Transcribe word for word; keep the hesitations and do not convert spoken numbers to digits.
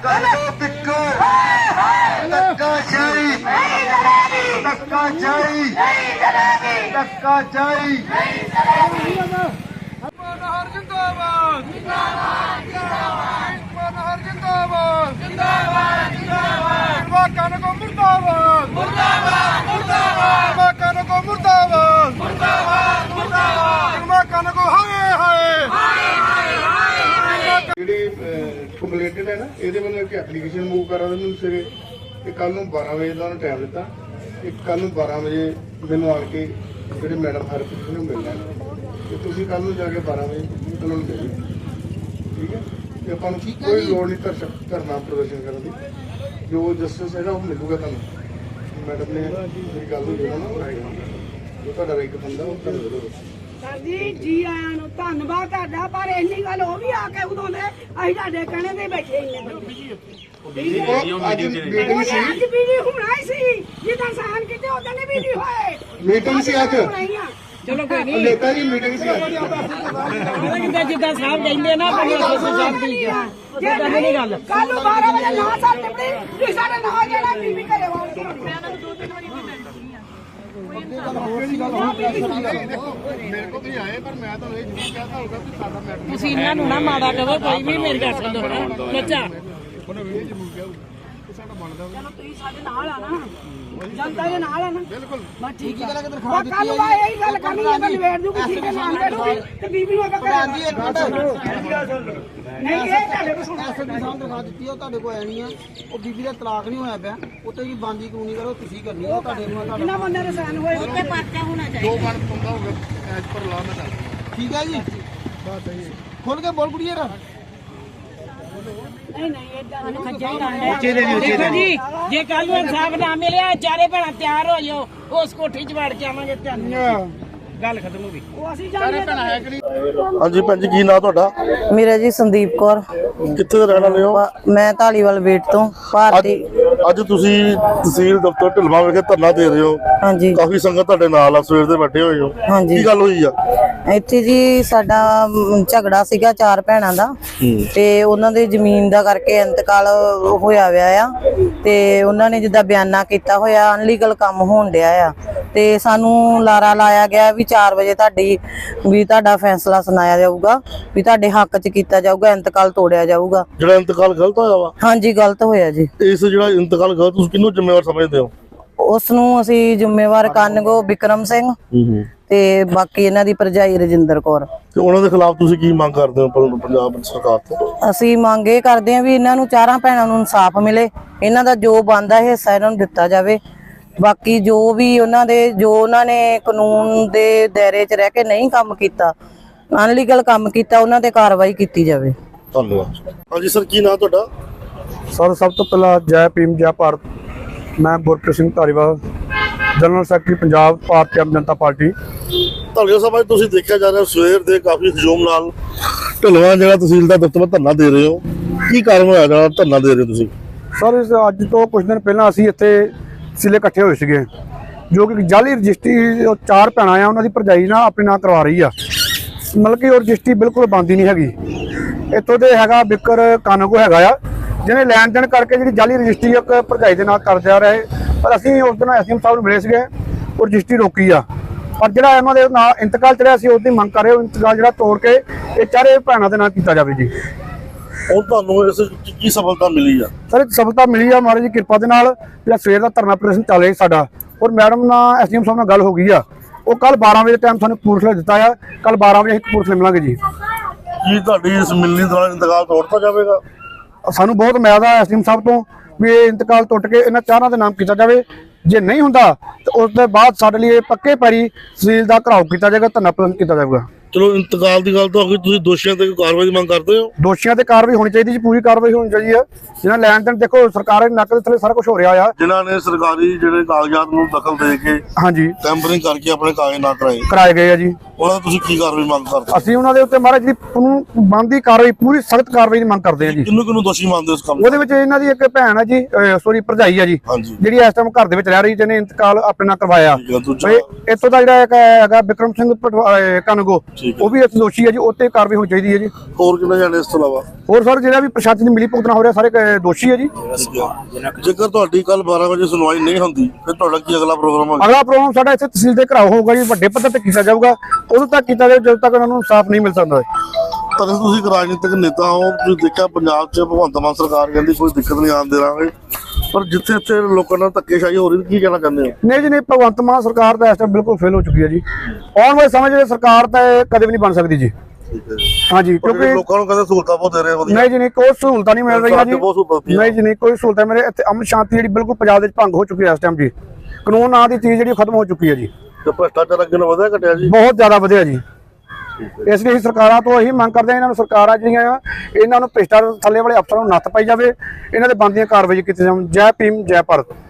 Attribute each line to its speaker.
Speaker 1: Completed है ना ये मैंने एक एप्लीकेशन मूव करा मैं सवेरे कल बारह बजे का उन्होंने टाइम दिता कल बारह बजे मैंने आके जो मैडम हरप्रीत ने मिलना तो तुम कल जाके बारह बजे उन्होंने मिल ठीक है अपन कोई लोड़ नहीं धरना प्रदर्शन करने की जो जस्टिस है वो मिलूगा तुम मैडम ने मेरी गल हुई ना जो तुहाडा एक बंदा वो तुहानूं
Speaker 2: सर जी जी आया नु धन्नवाद तुहाडा पर इन्नी गल हो भी आके उदों दे असीं तुहाडे कहणे ते बैठे इन्ने आज वीडियो हुणाई सी जिदा सहन कीते उदों ने वीडियो होए
Speaker 1: मीटिंग सी आज
Speaker 2: चलो कोई नहीं
Speaker 1: नेता जी मीटिंग सी आज
Speaker 2: जिदा जिदा साहब कहंदे ना पंजाब साहब दी जिदा नहीं गल कल बारह बजे ना साल टिपड़ी तुसीं साडे नाल जेड़ा बीबी घरे वाल के
Speaker 3: ਤੁਸੀਂ ਇਹਨਾਂ ਨੂੰ ਨਾ ਮਾੜਾ ਕਹੋ ਕੋਈ ਵੀ ਮੇਰੀ ਗੱਲ ਸੁਣੋ ਬੱਚਾ
Speaker 2: चलो तुसीं साडे नाल आ ना जनता दे नाल आ ना बिल्कुल मैं ठीक है कल मैं यही गल करनी है मैं निवेड़ दूंगी ठीक है नाम दे दूंगी ते बीबी नु अगर आंदी एक मिनट नहीं ये ਤੁਹਾਡੇ ਕੋਲ ਸੁਣੋ
Speaker 4: ਐਸਐਸਪੀ ਸਾਹਿਬ ਦਿਖਾ ਦਿੱਤੀ ਉਹ ਤੁਹਾਡੇ ਕੋਲ ਆਣੀ ਆ ਉਹ ਬੀਬੀ ਦਾ ਤਲਾਕ ਨਹੀਂ ਹੋਇਆ ਪਿਆ ਉੱਤੇ ਜੀ ਬਾਂਦੀ ਕਾਨੂੰਨੀ ਕਰੋ ਤੁਸੀਂ ਕਰਨੀ ਉਹ ਤੁਹਾਡੇ ਨੂੰ ਤੁਹਾਡਾ
Speaker 2: ਇਹਨਾਂ ਬੰਦੇ ਦੇ ਸਾਨ ਹੋਏ
Speaker 3: ਉੱਤੇ ਪਰਚਾ ਹੋਣਾ ਚਾਹੀਦਾ
Speaker 1: दो बन पंगा होगा एज पर लॉ में
Speaker 4: ਠੀਕ ਹੈ ਜੀ
Speaker 1: बात है ये
Speaker 4: ਖੁੱਲ ਕੇ ਬੋਲ ਕੁੜੀਏ ਰਾ
Speaker 2: नहीं नहीं इधर
Speaker 3: ਦੇਖੋ ਜੀ ਜੇ ਕੱਲ ਨੂੰ ਇਨਸਾਫ ਨਾ ਮਿਲਿਆ ਚਾਰੇ ਭੈਣਾਂ ਤਿਆਰ ਹੋ ਜਾਓ ਉਸ ਕੋਠੀ 'ਚ ਵੜ ਕੇ ਆਵਾਂਗੇ ਤੁਹਾਨੂੰ ਗੱਲ ਖਤਮ ਹੋ ਗਈ
Speaker 2: वो ਅਸੀਂ जाने
Speaker 1: ਹਾਂਜੀ ਭੈਣ ਜੀ ਕੀ ਨਾਂ ਤੁਹਾਡਾ
Speaker 5: ਮੇਰਾ ਜੀ ਸੰਦੀਪ ਕੌਰ
Speaker 1: ਕਿੱਥੇ ਦੇ ਰਹਿਣ ਵਾਲੇ ਹੋ
Speaker 5: ਮੈਂ ਢਾਲੀਵਾਲ ਵੇਟ ਤੋਂ ਭਾਰਤੀ
Speaker 1: ਅੱਜ ਤੁਸੀਂ ਤਹਿਸੀਲ ਦਫ਼ਤਰ ਢਿਲਵਾਂ ਵਿਖੇ ਧਰਨਾ ਦੇ ਰਹੇ ਹੋ
Speaker 5: ਹਾਂਜੀ
Speaker 1: ਕਾਫੀ ਸੰਗਤ ਤੁਹਾਡੇ ਨਾਲ ਆ ਸਵੇਰ ਦੇ ਬੈਠੇ ਹੋਏ ਹੋ
Speaker 5: ਹਾਂਜੀ
Speaker 1: ਕੀ ਗੱਲ ਹੋਈ ਆ
Speaker 5: ਇੱਥੇ ਜੀ ਸਾਡਾ ਮ, ਝਗੜਾ ਸੀਗਾ ਚਾਰ ਭੈਣਾਂ ਦਾ ਤੇ ਉਹਨਾਂ ਦੇ ਜ਼ਮੀਨ ਦਾ ਕਰਕੇ ਇੰਤਕਾਲ ਹੋਇਆ ਵਿਆ ਆ ਤੇ ਉਹਨਾਂ ਨੇ ਜਿੱਦਾਂ ਬਿਆਨਾ ਕੀਤਾ ਹੋਇਆ ਅਨਲੀਗਲ ਕੰਮ ਹੋਣ ਡਿਆ ਆ ਤੇ ਸਾਨੂੰ ਲਾਰਾ ਲਾਇਆ ਗਿਆ ਵੀ ਚਾਰ ਵਜੇ ਤੁਹਾਡੀ ਵੀ ਤੁਹਾਡਾ ਫੈਸਲਾ ਸੁਣਾਇਆ ਜਾਊਗਾ ਵੀ ਤੁਹਾਡੇ ਹੱਕ 'ਚ ਕੀਤਾ ਜਾਊਗਾ ਇੰਤਕਾਲ ਤੋੜਿਆ ਜਾਊਗਾ
Speaker 1: ਜਿਹੜਾ ਇੰਤਕਾਲ ਗਲਤ ਹੋਇਆ ਵਾ
Speaker 5: ਹਾਂਜੀ ਗਲਤ ਹੋਇਆ ਜੀ
Speaker 1: ਇਸ ਜਿਹੜਾ ਇੰਤਕਾਲ ਗਲਤ ਤੁਸੀਂ ਕਿਹਨੂੰ ਜ਼ਿੰਮੇਵਾਰ ਸਮਝਦੇ ਹੋ
Speaker 5: ਉਸ ਨੂੰ ਅਸੀਂ ਜ਼ਿੰਮੇਵਾਰ ਕਾਨਗੋ ਬਿਕਰਮ ਸਿੰਘ ਤੇ ਬਾਕੀ ਇਹਨਾਂ ਦੀ ਭਰਜਾਈ ਰਜਿੰਦਰ ਕੌਰ
Speaker 1: ਤੇ ਉਹਨਾਂ ਦੇ ਖਿਲਾਫ ਤੁਸੀਂ ਕੀ ਮੰਗ ਕਰਦੇ ਹੋ ਪ- ਪੰਜਾਬ ਸਰਕਾਰ ਤੋਂ
Speaker 5: ਅਸੀਂ ਮੰਗ ਇਹ ਕਰਦੇ ਹਾਂ ਵੀ ਇਹਨਾਂ ਨੂੰ ਚਾਰਾਂ ਭੈਣਾਂ ਨੂੰ ਇਨਸਾਫ ਮਿਲੇ ਇਹਨਾਂ ਦਾ ਜੋ ਬਣਦਾ ਹਿੱਸਾ ਇਹਨਾਂ ਨੂੰ ਦਿੱਤਾ ਜਾਵੇ ਬਾਕੀ ਜੋ ਵੀ ਉਹਨਾਂ ਦੇ ਜੋ ਉਹਨਾਂ ਨੇ ਕਾਨੂੰਨ ਦੇ ਦਾਇਰੇ 'ਚ ਰਹਿ ਕੇ ਨਹੀਂ ਕੰਮ ਕੀਤਾ ਅਨਲੀਗਲ ਕੰਮ ਕੀਤਾ ਉਹਨਾਂ ਤੇ ਕਾਰਵਾਈ ਕੀਤੀ ਜਾਵੇ
Speaker 1: ਧੰਨਵਾਦ ਹਾਂਜੀ ਸਰ ਕੀ ਨਾਂ ਤੁਹਾਡਾ
Speaker 6: ਸਰ ਸਭ ਤੋਂ ਪਹਿਲਾਂ ਜੈ ਭੀਮ ਜੈ ਭਾਰਤ ਮੈਂ Gurpreet Singh Dhariwal general secretary Punjab Bharti Aam Janata party
Speaker 1: ਧੰਨਵਾਦ ਸਾਹਿਬ ਅੱਜ ਤੁਸੀਂ ਦੇਖਿਆ ਜਾ ਰਿਹਾ ਸਵੇਰ ਦੇ ਕਾਫੀ ਹਜੂਮ ਨਾਲ ਢਿਲਵਾਂ ਜਿਹੜਾ ਤਹਿਸੀਲ ਦਾ ਦਫ਼ਤਰ ਧਰਨਾ ਦੇ ਰਹੇ ਹੋ ਕੀ ਕਾਰਨ ਹੋਇਆ ਜਿਹੜਾ ਧਰਨਾ ਦੇ ਰਹੇ ਹੋ ਤੁਸੀਂ
Speaker 6: ਸਰ ਇਸ ਅੱਜ ਤੋਂ ਕੁਝ ਦਿਨ ਪਹਿਲਾਂ ਅਸੀਂ ਇੱਥੇ ਸਿਲੇ ਇਕੱਠੇ ਹੋਏ ਸੀਗੇ ਜੋ ਕਿ ਜਾਲੀ ਰਜਿਸਟਰੀ ਉਹ ਚਾਰ ਭੈਣਾਂ ਆ ਉਹਨਾਂ ਦੀ ਭਰਜਾਈ ਨਾਲ ਆਪਣੇ ਨਾਂ ਕਰਵਾ ਰਹੀ ਆ ਮਤਲਬ ਕਿ ਉਹ ਰਜਿਸਟਰੀ ਬਿਲਕੁਲ ਬੰਦ ਹੀ ਨਹੀਂ ਹੈਗੀ ਇੱਥੋਂ ਦੇ ਹੈਗਾ ਬਿਕਰ ਕਾਨਗੋ ਹੈਗਾ ਆ ਜਿਹਨੇ ਲੈਣ ਦੇਣ ਕਰਕੇ ਜਿਹੜੀ ਜਾਲੀ ਰਜਿਸਟਰੀ ਇੱਕ ਭਰਜਾਈ ਦੇ ਨਾਲ ਕਰ ਜਾ ਰਹੇ ਪਰ ਅਸੀਂ ਉਸ ਦਿਨ ਐਸਐਮ ਸਾਹਿਬ ਨੂੰ ਮਿਲੇ ਸੀਗੇ ਉਹ ਰਜਿਸਟਰੀ ਰੋਕੀ ਆ ਪਰ ਜਿਹੜਾ ਇਹਨਾਂ ਦੇ ਨਾਲ ਇੰਤਕਾਲ ਚੜਿਆ ਸੀ ਉਹਦੀ ਮੰਗ ਕਰ ਰਹੇ ਉਹ ਇੰਤਕਾਲ ਜਿਹੜਾ ਤੋੜ ਕੇ ਇਹ ਚਾਰੇ ਭੈਣਾਂ ਦੇ ਨਾਲ ਕੀਤਾ ਜਾਵੇ ਜੀ
Speaker 1: ਹੁਣ ਤੁਹਾਨੂੰ ਇਸ ਵਿੱਚ ਕੀ ਸਫਲਤਾ ਮਿਲੀ ਆ
Speaker 6: ਸਰ ਸਫਲਤਾ ਮਿਲੀ ਆ ਮਹਾਰਾਜ ਦੀ ਕਿਰਪਾ ਦੇ ਨਾਲ ਜਿਹੜਾ ਸਵੇਰ ਦਾ ਧਰਨਾ ਪ੍ਰਦਰਸ਼ਨ ਚੱਲ ਰਿਹਾ ਸਾਡਾ ਔਰ ਮੈਡਮ ਨਾਲ ਐਸਡੀਐਮ ਸਾਹਿਬ ਨਾਲ ਗੱਲ ਹੋ ਗਈ ਆ ਉਹ ਕੱਲ ਬਾਰਾਂ ਵਜੇ ਟਾਈਮ ਸਾਨੂੰ ਕਪੂਰਥਲੇ ਦਿੱਤਾ ਆ ਕੱਲ ਬਾਰਾਂ ਵਜੇ ਅਸੀਂ ਕਪੂਰਥਲੇ ਮਿਲਾਂਗੇ ਜੀ
Speaker 1: ਕੀ ਤੁਹਾਡੀ ਇਸ ਮਿਲਣੀ ਦੌਰਾਨ ਇੰਤਕਾਲ ਤੋੜਤਾ ਜਾਵੇਗਾ
Speaker 6: ਸਾਨੂੰ ਬਹੁਤ ਉਮੀਦ ਆ ਐਸਡੀਐਮ ਸਾਹਿਬ ਤੋਂ ਵੀ ਇਹ ਇੰਤਕਾਲ ਟੁੱਟ ਕੇ ਇਹਨਾਂ ਚਾਰਾਂ ਦੇ ਨਾਮ ਕੀਤਾ ਜਾਵੇ ਜੇ ਨਹੀਂ ਹੁੰਦਾ ਤਾਂ ਉਸ ਦੇ ਬਾਅਦ ਸਾਡੇ ਲਈ ਪੱਕੇ ਪੈਰੀ ਤਹਿਸੀਲ ਦਾ ਘਰਾਓ ਕੀਤਾ ਜਾਏਗਾ ਧਰਨਾ ਪ੍ਰਦਰਸ਼ਨ ਕੀਤਾ ਜਾਵੇਗਾ
Speaker 1: ਚਲੋ ਇੰਤਕਾਲ ਦੀ ਗੱਲ ਤਾਂ ਹੋ ਗਈ ਤੁਸੀਂ ਦੋਸ਼ੀਆਂ ਤੇ ਕਾਰਵਾਈ ਦੀ ਮੰਗ ਕਰਦੇ ਹੋ
Speaker 6: ਦੋਸ਼ੀਆਂ ਤੇ ਕਾਰਵਾਈ ਹੋਣੀ ਚਾਹੀਦੀ ਜੀ ਪੂਰੀ ਕਾਰਵਾਈ ਹੋਣੀ ਚਾਹੀਦੀ ਹੈ ਜਿਹਨਾਂ ਲੈਣ ਦੇਣ ਦੇਖੋ ਸਰਕਾਰ ਦੇ ਨੱਕ ਦੇ ਥੱਲੇ ਸਾਰਾ ਕੁਝ ਹੋ ਰਿਹਾ ਆ
Speaker 1: ਜਿਨ੍ਹਾਂ ਨੇ ਸਰਕਾਰੀ ਜਿਹੜੇ ਕਾਗਜ਼ਾਤ ਨੂੰ ਦਖਲ ਦੇ ਕੇ
Speaker 6: ਹਾਂਜੀ
Speaker 1: ਟੈਂਪਰਿੰਗ ਕਰਕੇ ਆਪਣੇ ਕਾਗਜ਼ ਨਾ ਕਰਾਏ
Speaker 6: ਕਰਾਏ ਗਏ ਆ ਜੀ
Speaker 1: ਉਹਨਾਂ ਦਾ ਤੁਸੀਂ ਕੀ ਕਾਰਵਾਈ ਮੰਗ ਕਰਦੇ ਹੋ
Speaker 6: ਅਸੀਂ ਉਹਨਾਂ ਦੇ ਉੱਤੇ ਮਹਾਰਾਜ ਜਿਹੜੀ ਬਣਦੀ ਕਾਰਵਾਈ ਪੂਰੀ ਸਖਤ ਕਾਰਵਾਈ ਦੀ ਮੰਗ ਕਰਦੇ ਆ ਜੀ
Speaker 1: ਕਿਹਨੂੰ ਕਿਹਨੂੰ ਦੋਸ਼ੀ ਮੰਨਦੇ ਹੋ ਇਸ ਕੰਮ
Speaker 6: ਉਹਦੇ ਵਿੱਚ ਇਹਨਾਂ ਦੀ ਇੱਕ ਭੈਣ ਹੈ ਜੀ ਸੋਰੀ ਭਰਜਾਈ ਆ ਜੀ
Speaker 1: ਹਾਂਜੀ
Speaker 6: ਜਿਹੜੀ ਇਸ ਟਾਈਮ ਘਰ ਦੇ ਵਿੱਚ ਰਹਿ ਰਹੀ ਜਿਹਨੇ ਇੰਤਕਾਲ ਆਪਣੇ ਨਾਲ ਕਰਵਾਇਆ
Speaker 1: ਠੀਕ ਹੈ, ਦੂਜਾ
Speaker 6: ਇੱਥੋਂ ਦਾ ਜਿਹੜਾ ਇੱਕ ਹੈਗਾ ਬਿਕਰਮ ਸਿੰਘ ਕਨਗੋ ਉਹ ਵੀ ਇੱਥੇ ਦੋਸ਼ੀ ਹੈ ਜੀ, ਉੱਤੇ ਕਾਰਵਾਈ ਹੋਣੀ ਚਾਹੀਦੀ ਹੈ ਜੀ।
Speaker 7: ਹੋਰ ਕਿੰਨੇ ਜਾਣੇ ਇਸ ਤੋਂ ਇਲਾਵਾ?
Speaker 6: ਹੋਰ ਸਰ ਜਿਹੜਾ ਵੀ ਪ੍ਰਸ਼ਾਸਨ ਦੀ ਮਿਲੀ ਭੁਗਤਣਾ ਹੋ ਰਿਹਾ ਸਾਰੇ ਕ- ਦੋਸ਼ੀ ਹੈ ਜੀ।
Speaker 7: ਜੇਕਰ ਤੁਹਾਡੀ ਕੱਲ ਬਾਰਾਂ ਵਜੇ ਸੁਣਵਾਈ ਨਹੀਂ ਹੁੰਦੀ ਫਿਰ ਤੁਹਾਡਾ ਕੀ ਅਗਲਾ ਪ੍ਰੋਗਰਾਮ ਹੋਗਾ?
Speaker 6: ਅਗਲਾ ਪ੍ਰੋਗਰਾਮ ਸਾਡਾ ਇੱਥੇ ਤਹਿਸੀਲ ਦੇ ਘਰਾਓ ਹੋਊਗਾ ਜੀ, ਵੱਡੇ ਪੱਧਰ ਤੇ ਕੀਤਾ ਜਾਊਗਾ। ਉਦੋਂ ਤੱਕ ਕੀਤਾ ਜਾਊ ਜਦੋਂ ਤੱਕ ਉਹਨਾਂ ਨੂੰ ਇਨਸਾਫ ਨਹੀਂ ਮਿਲ ਸਕਦਾ।
Speaker 7: ਪਰ ਤੁਸੀਂ ਇੱਕ ਰਾਜਨੀਤਿਕ ਨੇਤਾ ਹੋ, ਤੁਸੀਂ ਦੇਖਿਆ ਪੰਜਾਬ 'ਚ ਭਗਵੰਤ ਮਾਨ ਸਰਕਾਰ ਕਹਿੰਦੀ ਕੋਈ ਦਿੱਕਤ ਨਹੀਂ ਆਉਣ ਦੇਵਾਂਗੇ, ਪਰ ਜਿੱਥੇ ਇੱਥੇ ਲੋਕਾਂ ਨਾਲ ਧੱਕੇਸ਼ਾਹੀ ਹੋ ਰਹੀ, ਕੀ ਕਹਿਣਾ ਚਾਹੁੰਦੇ ਹੋ?
Speaker 6: ਨਹੀਂ ਜੀ ਨਹੀਂ, ਭਗਵੰਤ ਮਾਨ ਸਰਕਾਰ ਤਾਂ ਇਸ ਟਾਈਮ ਬਿਲਕੁਲ ਫੇਲ ਹੋ ਚੁੱਕੀ ਹੈ ਜੀ। ਆਉਣ ਵਾਲੇ ਸਮੇਂ 'ਚ ਸਰਕਾਰ ਤਾਂ ਇਹ ਕਦੇ ਵੀ ਨਹੀਂ ਬਣ ਸਕਦੀ ਜੀ। ਹਾਂਜੀ,
Speaker 7: ਕਿਉਂਕਿ ਲੋਕਾਂ ਨੂੰ ਕਹਿੰਦੇ ਸਹੂਲਤਾਂ ਬਹੁਤ ਦੇ ਰਹੇ ਵਧੀਆ।
Speaker 6: ਨਹੀਂ ਜੀ ਨਹੀਂ, ਕੋਈ ਸਹੂਲਤਾਂ ਨਹੀਂ ਮਿਲ ਰਹੀਆਂ ਜੀ।
Speaker 7: ਬਹੁਤ ਸਹੂਲਤਾਂ
Speaker 6: ਨਹੀਂ ਜੀ ਨਹੀਂ, ਕੋਈ ਸਹੂਲਤਾਂ ਮੇਰੇ ਇੱਥੇ ਅਮਨ ਸ਼ਾਂਤੀ ਜਿਹੜੀ ਬਿਲਕੁਲ ਪੰਜਾਬ ਦੇ ਵਿੱਚ ਭੰਗ ਹੋ ਚੁੱਕੀ ਹੈ ਇਸ ਟਾਈਮ ਜੀ। ਕਾਨੂੰਨ ਨਾਂ ਦੀ ਚੀਜ਼ ਜਿਹੜੀ ਖਤਮ ਹੋ ਚੁੱਕੀ ਹੈ ਜੀ।
Speaker 7: ਤੇ ਭ੍ਰਿਸ਼ਟਾਚਾਰ ਅੱਗੇ ਨਾਲੋਂ ਵਧਿਆ ਘਟਿਆ ਜੀ?
Speaker 6: ਬਹੁਤ ਜ਼ਿਆਦਾ ਵਧਿਆ ਜੀ। ਇਸ ਲਈ ਅਸੀਂ ਸਰਕਾਰਾਂ ਤੋਂ ਇਹੀ ਮੰਗ ਕਰਦੇ ਹਾਂ, ਇਹਨਾਂ ਨੂੰ ਸਰਕਾਰਾਂ ਜਿਹੜੀਆਂ ਆ ਇਹਨਾਂ ਨੂੰ ਭ੍ਰਿਸ਼ਟਾਚਾਰ ਥੱਲੇ ਵਾਲੇ ਅਫਸਰਾਂ ਨੂੰ ਨੱਥ ਪਾਈ ਜਾਵੇ, ਇਹਨਾਂ ਦੇ ਬਣਦੀਆਂ ਕਾਰਵਾਈ ਕੀਤੀ ਜਾਵੇ। ਜੈ ਭੀਮ, ਜੈ ਭਾਰਤ।